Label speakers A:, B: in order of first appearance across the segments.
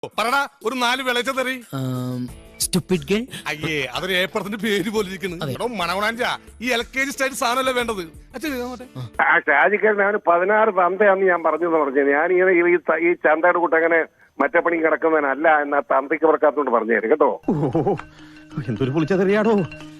A: പറടാ ഒരു 4 വിളച്ച തെറി.
B: Stupid girl.
A: അയ്യേ അതൊരു ഏപ്പറത്തിന്റെ പേര് പോലെ ഇരിക്കുന്നു. മണവണാഞ്ച ഈ LKG സ്റ്റൈൽ സാധനമല്ലേ വേണ്ടത്.
C: ആ ഷാജിക്കാരൻ അവന് 16 തന്തയാന്ന് ഞാൻ പറഞ്ഞു. ഞാനിങ്ങനെ ഈ ചന്തയുടെ കൂട്ട് അങ്ങനെ മറ്റേ പണി കിടക്കുന്നതിനല്ല എന്നാ തന്തയ്ക്ക് പറക്കാത്തോണ്ട് പറഞ്ഞു തരും കേട്ടോ.
D: എന്തൊരു പൊളിച്ചതെറിയാടോ.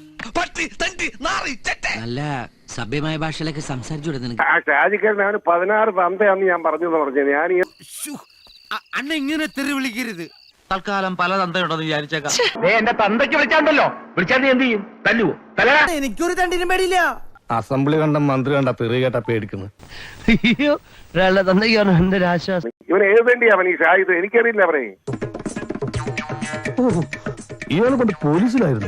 B: നല്ല സഭ്യമായ ഭാഷയിലൊക്കെ സംസാരിച്ചു.
C: ആ ഷാജിക്കാരൻ അവന് 16 തന്തയാന്ന് ഞാൻ പറഞ്ഞു. ഞാൻ
B: അണ്ണ ഇങ്ങനെ തെറി വിളിക്കരുത്.
D: തൽക്കാലം പല തന്തയുണ്ടെന്ന് വിചാരിച്ചേക്കാം.
C: എന്റെ തന്തയ്ക്ക് വിളിച്ചാണ്ടല്ലോ, വിളിച്ചാൽ നീ എന്ത് ചെയ്യും? തല്ലുവോ?
B: എനിക്കൊരു തണ്ടിനും പേടിയില്ല.
D: അസംബ്ലി കണ്ട മന്ത്രി കണ്ട തെറി കേട്ട പേടിക്കുന്നു.
B: അയ്യോ ഒരാളുടെ തന്തയ്ക്കാണ് എന്റെ ഒരു ആശ്വാസം.
C: ഇവൻ ഏത് തണ്ടിയാ അവൻ ഈ ഷാഹിദ്? എനിക്കറിയില്ല അവനെ.
D: ഇയാളെ കൊണ്ട് പോലീസിലായിരുന്നു.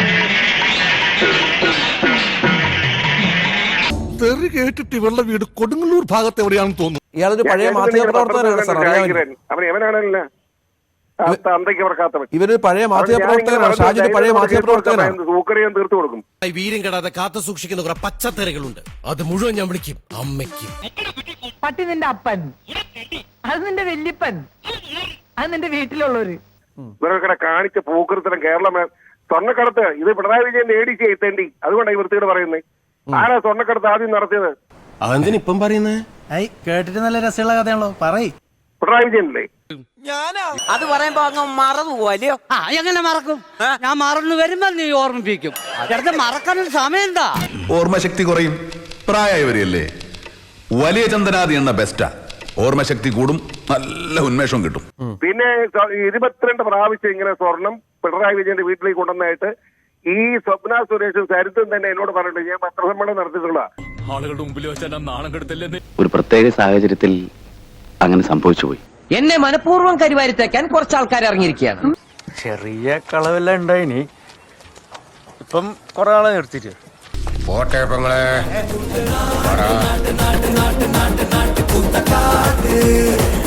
A: തെറി കേട്ടിട്ട് ഇവരുടെ വീട് കൊടുങ്ങല്ലൂർ ഭാഗത്ത് എവിടെയാണെന്ന് തോന്നുന്നു.
E: ഇയാളൊരു പഴയ മാധ്യമ പ്രവർത്തകനാണ് സാർ.
C: അവൻ എവനാണല്ല തന്തയ്ക്ക് പറക്കാത്തവൻ.
E: ഇവരൊരു പഴയ മാധ്യമ പ്രവർത്തകനാണ്. ഷാജിദ് പഴയ മാധ്യമ പ്രവർത്തകനാണ്.
C: സൂക്കറിയാൻ തീർത്തു കൊടുക്കും.
F: വീര്യം കെടാതെ കാത്തു സൂക്ഷിക്കുന്ന കുറെ പച്ചത്തറികളുണ്ട്. അത് മുഴുവൻ ഞാൻ വിളിക്കും അമ്മയ്ക്കും.
G: പട്ടി നിന്റെ അപ്പൻ, അത് നിന്റെ വല്യപ്പൻ, അത് നിന്റെ വീട്ടിലുള്ളവര്.
C: ഇവരൊക്കെ കാണിച്ച പൂക്കൃത്തരം കേരളം സ്വർണ്ണക്കടത്ത് ഇത് പിണറായി വിജയൻ നേടിച്ച് എത്തേണ്ടി. അതുകൊണ്ടാണ് ഈ വൃത്തിയോട് പറയുന്നത്. ആരാ സ്വർണ്ണക്കടത്ത് ആദ്യം നടത്തിയത്?
F: അതെന്തിനിപ്പം പറയുന്നേ?
E: കേട്ടിട്ട് നല്ല രസമുള്ള കഥയാണല്ലോ, പറയ്.
C: പിണറായി വിജയനല്ലേ?
H: അത് പറയുമ്പോ അങ്ങ് മറന്നു പോവല്ലോ.
B: എങ്ങനെ മറക്കും? ഞാൻ മറന്നു വരുമ്പോ നീ ഓർമ്മിപ്പിക്കും. മറക്കാനൊരു സമയം എന്താ?
I: ഓർമ്മശക്തി കുറയും, പ്രായമായി വരികയല്ലേ. വലിയ ചന്ദനാദി എന്ന ബെസ്റ്റാ. ഓർമ്മശക്തി കൂടും, നല്ല ഉന്മേഷം കിട്ടും.
C: പിന്നെ 22 പ്രാവശ്യം ഇങ്ങനെ സ്വർണം പിണറായി വിജയന്റെ വീട്ടിലേക്ക് കൊണ്ടുവന്നായിട്ട് ഈ സ്വപ്ന സുരേഷും സരിത്തും തന്നെ എന്നോട് പറഞ്ഞിട്ട് ഞാൻ പത്രസമ്മേളനം നടത്തിയിട്ടുള്ള
A: ആളുകളുടെ മുമ്പിൽ വെച്ചാൽ നാണം കെടുത്തല്ലേ.
J: ഒരു പ്രത്യേക സാഹചര്യത്തിൽ അങ്ങനെ സംഭവിച്ചു പോയി.
H: എന്നെ മനഃപൂർവ്വം കരിവാരിത്തേക്കാൻ കുറച്ച് ആൾക്കാർ ഇറങ്ങിയിരിക്കുകയാണ്.
D: ചെറിയ കളവെല്ലാം ഉണ്ടായിനി. ഇപ്പം കൊറേ ആളെ നിർത്തിട്ട്
I: പോട്ടെ.